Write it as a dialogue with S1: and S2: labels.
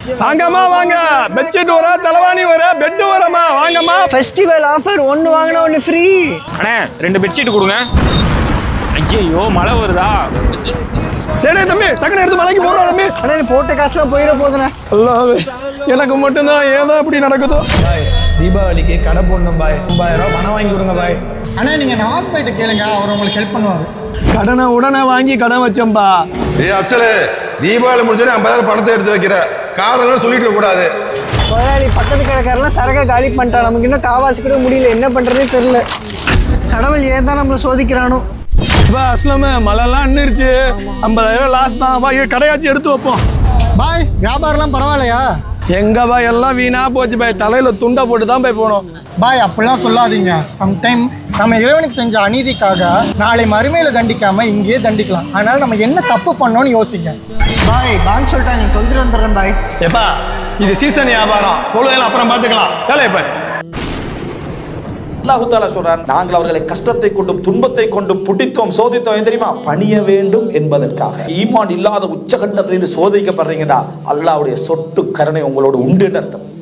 S1: வாங்கம்மா வாங்க. பெட்ஷீட் வர, தலைவாணி வர, பெட் வரமா வாங்கம்மா.
S2: ஃபெஸ்டிவல் ஆஃபர், ஒன்னு வாங்கினா ஒன்னு ஃப்ரீ.
S3: அண்ணே 2 பெட்ஷீட் கொடுங்க. ஐயோ மழை வருதா?
S1: சரி தம்பி, டக்குனு எடுத்து மலைக்கு போடுறோம் தம்பி.
S2: அண்ணா நீ போட்ட காசுலாம் போயிட போதுண்ணே.
S1: அல்லாஹ், எனக்கு மட்டும்தான் ஏதோ இப்படி நடக்குதோ.
S4: தீபாவளிக்கு கடை போடணும் பாய். 5000 ரூபா பணம் வாங்கி கொடுங்க பாய்.
S5: அண்ணா நீங்க நவாஸ் போயிட்டு கேளுங்க, அவர் உங்களுக்கு ஹெல்ப் பண்ணுவாரு.
S1: கடனை உடனே வாங்கி கடன் வச்சோம்பா.
S6: அப்சலு, தீபாவளி முடிஞ்சோடனே 50,000 பணத்தை எடுத்து வைக்கிற காரணம் சொல்லிட்டு கூடாது.
S2: முதலாளி பக்கத்து கடைக்காரெல்லாம் சரக்கை காலி பண்ணிட்டா. நமக்கு இன்னும் காவாசி கூட முடியல, என்ன பண்றதே தெரியல. கடவுள் ஏன் தான் நம்மளை சோதிக்கிறானோ.
S1: அஸ்லாம மழைலாம் நின்றுச்சு. 50,000 லாஸ் தான். வா கடையாச்சும் எடுத்து வைப்போம்.
S5: பாய் வியாபாரம்லாம் பரவாயில்லையா?
S1: எங்க பாய் எல்லாம் வீணா போச்சு பாய். தலையில துண்டை போட்டு தான் போய் போனோம்.
S5: பாய் அப்படிலாம் சொல்லாதீங்க. சம்டைம் நம்ம இறைவனுக்கு செஞ்ச அநீதிக்காக நாளை மறுமையில தண்டிக்காம இங்கேயே தண்டிக்கலாம். அதனால நம்ம என்ன தப்பு பண்ணோம்னு யோசிங்க.
S2: பாய் பாங்க சொல்லிட்டாங்க, தொழுதுட்டு வந்துடுறேன் பாய்.
S1: எப்பா இது சீசன் வியாபாரம், பொழுதெல்லாம் அப்புறம் பார்த்துக்கலாம். வேலையை பாரு.
S7: அல்லாஹ் தஆலா சொல்றார், நாங்கள் அவர்களை கஷ்டத்தை கொண்டும் துன்பத்தை கொண்டும் புட்டித்தோம் சோதித்தோம் தெரியுமா, பணிய வேண்டும் என்பதற்காக. ஈமான் இல்லாத உச்சகட்டத்திலிருந்து சோதிக்கப்படுறீங்கடா, அல்லாஹ்வுடைய சொட்டு கருணை உங்களோடு உண்டு அர்த்தம்.